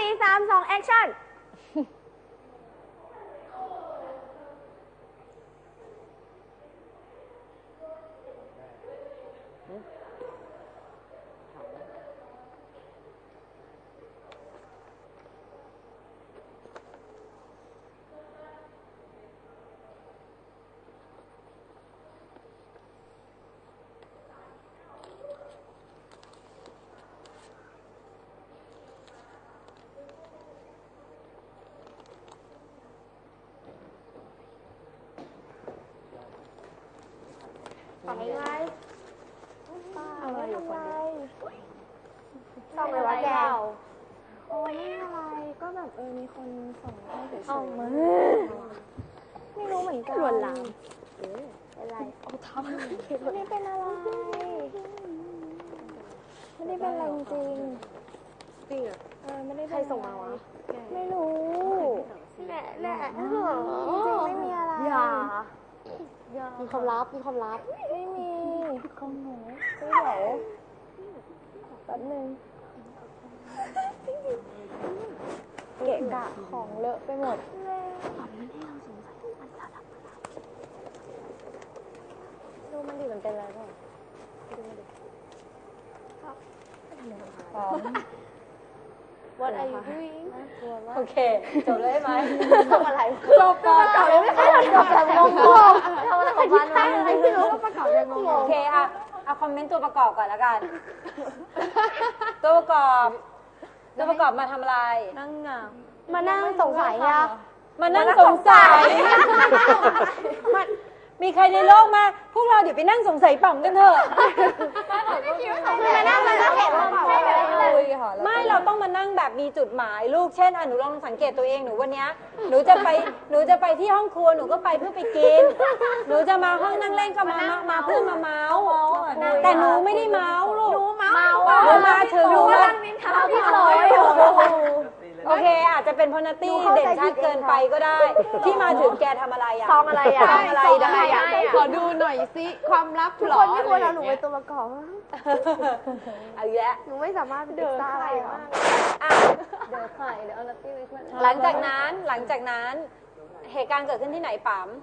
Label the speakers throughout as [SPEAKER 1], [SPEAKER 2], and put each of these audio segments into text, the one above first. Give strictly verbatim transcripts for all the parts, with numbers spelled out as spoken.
[SPEAKER 1] สี่สามสองแอคชั่นทำไรอะไรอยู่คนเดียวทำอะไรแกโอ้ยอะไรก็แบบเออมีคนส่งให้เฉยๆเอามาไม่รู้เหมือนกันหลวนหลังเป็นไรเอาทำไม่ได้เป็นอะไรไม่ได้เป็นอะไรจริงจริงอ่ะเออไม่ได้ใครส่งมาวะไม่รู้แหละแหละจริงไม่มีอะไรอย่ามีความลับมีความลับไม่มีของหนูไม่เดี๋ยวแป๊บนึงเกะกะของเลอะไปหมดดูมันดิมันเป็นอะไรบ้างดูมันดิพร้อม What are you doing โอเคจบเลยไหมทำอะไรจบก่อนเลยไม่ทันจบแบบงงๆทำอะไรของมันวะไม่รู้ว่าประกอบยังงงโอเคอะเอาคอมเมนต์ตัวประกอบก่อนแล้วกันตัวประกอบตัวประกอบมาทำอะไรนั่งมานั่งสงสัยอะมานั่งสงสัยมีใครในโลกมาพวกเราเดี๋ยวไปนั่งสงสัยป่องกันเถอะมานั่งมานั่งเห็นว่าไม่เราต้องมานั่งแบบมีจุดหมายลูกเช่นอ่ะหนูลองสังเกตตัวเองหนูวันนี้หนูจะไปหนูจะไปที่ห้องครัวหนูก็ไปเพื่อไปกินหนูจะมาห้องนั่งเล่นก็มามาเพื่อมาเมาส์แต่หนูไม่ได้เมาส์ลูกหนูเมาส์หนูมาถึงหนูว่าพี่ลอยโอเคอาจจะเป็นพนัตตี้เด่นชัดเกินไปก็ได้ที่มาถึงแกทำอะไรอ่ะซองอะไรอ่ะซองอะไรได้อ่ะขอดูหน่อยสิความลับทุกคนไม่ควรเอาหนูเป็นตัวประกอบเอาอีกแล้วหนูไม่สามารถเดินได้หรอกเดินไข่เดี๋ยวเอานัตตี้ไปขึ้นหลังจากนั้นหลังจากนั้นเหตุการณ์เกิดขึ้นที่ไหนปั๊ม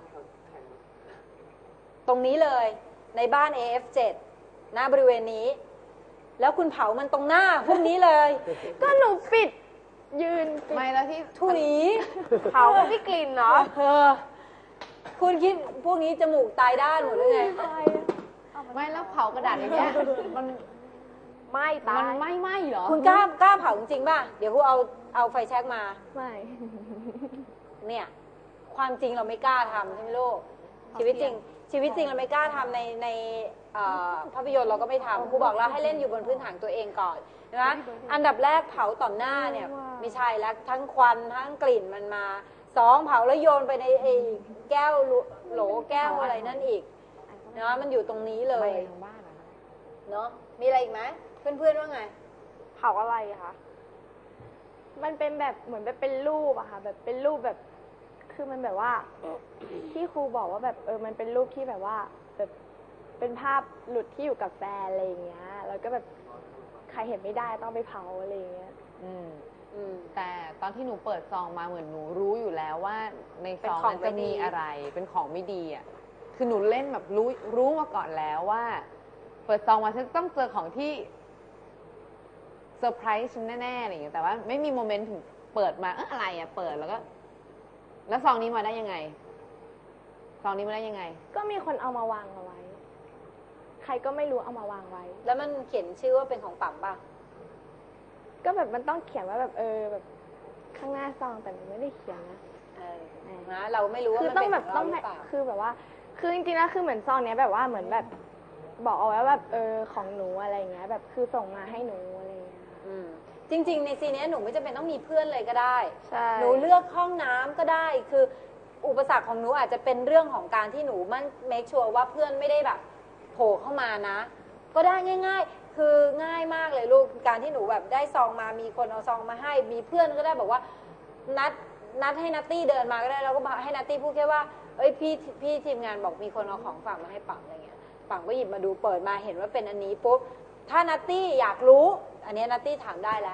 [SPEAKER 1] ตรงนี้เลยในบ้าน เอ เอฟ เจ็ด หน้าบริเวณนี้แล้วคุณเผามันตรงหน้าพวกนี้เลยก็หนูปิดยืนไม่แล้วที่ถุยเผาไม่กลิ่นเนาะคุณคิดพวกนี้จมูกตายด้านหมดเลยไงไม่แล้วเผากระดาษอย่างเงี้ยมันไม่ตายมันไม่ไหม้เหรอคุณกล้ากล้าเผาจริงป่ะเดี๋ยวคุณเอาเอาไฟแช็กมาไม่เนี่ยความจริงเราไม่กล้าทำใช่ไหมลูกชีวิตจริงชีวิตจริงเราไม่กล้าทำในในภาพยนตร์เราก็ไม่ทำครูบอกเราให้เล่นอยู่บนพื้นฐานตัวเองก่อนนะอันดับแรกเผาต่อหน้าเนี่ยไม่ใช่แล้วทั้งควันทั้งกลิ่นมันมาสองเผาแล้วโยนไปในไอ้แก้วโหลแก้วอะไรนั่นอีกเนาะมันอยู่ตรงนี้เลยเนาะมีอะไรอีกไหมเพื่อนๆว่าไงเผาอะไรคะมันเป็นแบบเหมือนแบบเป็นรูปอะค่ะแบบเป็นรูปแบบคือมันแบบว่าที่ครูบอกว่าแบบเออมันเป็นรูปที่แบบว่าแบบเป็นภาพหลุดที่อยู่กับแฟนอะไรอย่างเงี้ยแล้วก็แบบใครเห็นไม่ได้ต้องไปเผาอะไรอย่างเงี้ยอืมอืมแต่ตอนที่หนูเปิดซองมาเหมือนหนูรู้อยู่แล้วว่าในซองมันจะมีอะไรเป็นของไม่ดีอ่ะคือหนูเล่นแบบรู้รู้มาก่อนแล้วว่าเปิดซองมาฉันต้องเจอของที่เซอร์ไพรส์ฉันแน่ๆอะไรอย่างเงี้ยแต่ว่าไม่มีโมเมนต์ถึงเปิดมาเอออะไรอ่ะเปิดแล้วก็แล้วซองนี้มาได้ยังไงซองนี้มาได้ยังไงก็มีคนเอามาวางเอาไว้ใครก็ไม่รู้เอามาวางไว้แล้วมันเขียนชื่อว่าเป็นของปั๊มป่ะก็แบบมันต้องเขียนว่าแบบเออแบบข้างหน้าซองแต่มันไม่ได้เขียนนะเออนะเราไม่รู้ว่ามันเป็นของเราหรือเปล่าคือแบบว่าคือจริงๆแล้วคือเหมือนซองเนี้ยแบบว่าเหมือนแบบบอกเอาไว้แบบเออของหนูอะไรเงี้ยแบบคือส่งมาให้หนูอะไรเงี้ยจริงๆในซีนนี้หนูไม่จำเป็นต้องมีเพื่อนเลยก็ได้หนูเลือกห้องน้ำก็ได้คืออุปสรรคของหนูอาจจะเป็นเรื่องของการที่หนูมั่นเมคชัวร์ว่าเพื่อนไม่ได้แบบโผล่เข้ามานะก็ได้ง่ายๆคือง่ายมากเลยลูกการที่หนูแบบได้ซองมามีคนเอาซองมาให้มีเพื่อนก็ได้บอกว่านัดนัดให้นัตตี้เดินมาก็ได้แล้วก็ให้นัตตี้พูดแค่ว่าเอ้ยพี่พี่ทีมงานบอกมีคนเอาของฝากมาให้ปังอะไรเงี้ยปังก็หยิบมาดูเปิดมาเห็นว่าเป็นอันนี้ปุ๊บถ้านัตตี้อยากรู้อันนี้นัตตี้ถามได้แล้ว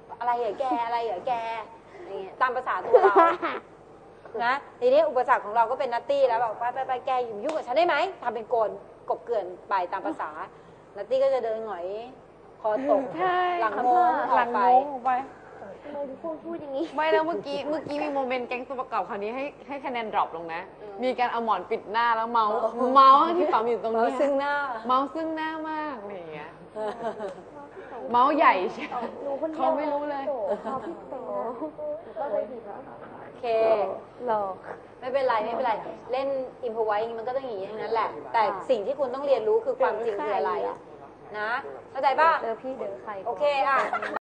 [SPEAKER 1] อะไรเหรอแกอะไรเหรอแกอย่างเงี้ยตามภาษาตัวเรานะทีนี้อุปสรรคของเราก็เป็นนัตตี้แล้วบอกไปไปไปแกอยู่ยุ่งกับฉันได้ไหมทำเป็นโกนกบเกลื่อนไปตามภาษานัตตี้ก็จะเดินหงอยคอตกหลังโมงออกไป
[SPEAKER 2] ทำไมทุกคนพูดอย่างนี้
[SPEAKER 3] ไม่แล้วเมื่อกี้เมื่อกี้มีโมเมนต์แก๊งตัวประกอบคราวนี้ให้ให้คะแนนดรอปลงนะ มีการเอาหมอนปิดหน้าแล้วเมาส์เมาส์ที่ปั๊มอยู่ตรง
[SPEAKER 1] เมา
[SPEAKER 3] นี้
[SPEAKER 1] ซึ่งหน้า
[SPEAKER 3] เมาส์ซึ่งหน้ามากอะไรอย่างเงี้ยเมาส์ใหญ่ใช่
[SPEAKER 2] หนูคนเดียว
[SPEAKER 3] เขาไม่รู้เลย
[SPEAKER 2] เขาพี่โตก็เลยผิดแล้ว
[SPEAKER 1] โอเค
[SPEAKER 2] หลอก
[SPEAKER 1] ไม่เป็นไรไม่เป็นไรเล่นอิมพอไว้มันก็ต้องอย่างนี้ทั้งนั้นแหละ แต่สิ่งที่คุณต้องเรียนรู้คือความจริงคืออะไรนะเข้าใจป่ะ
[SPEAKER 2] เจอพี่เจอใคร
[SPEAKER 1] โอเคอ่ะ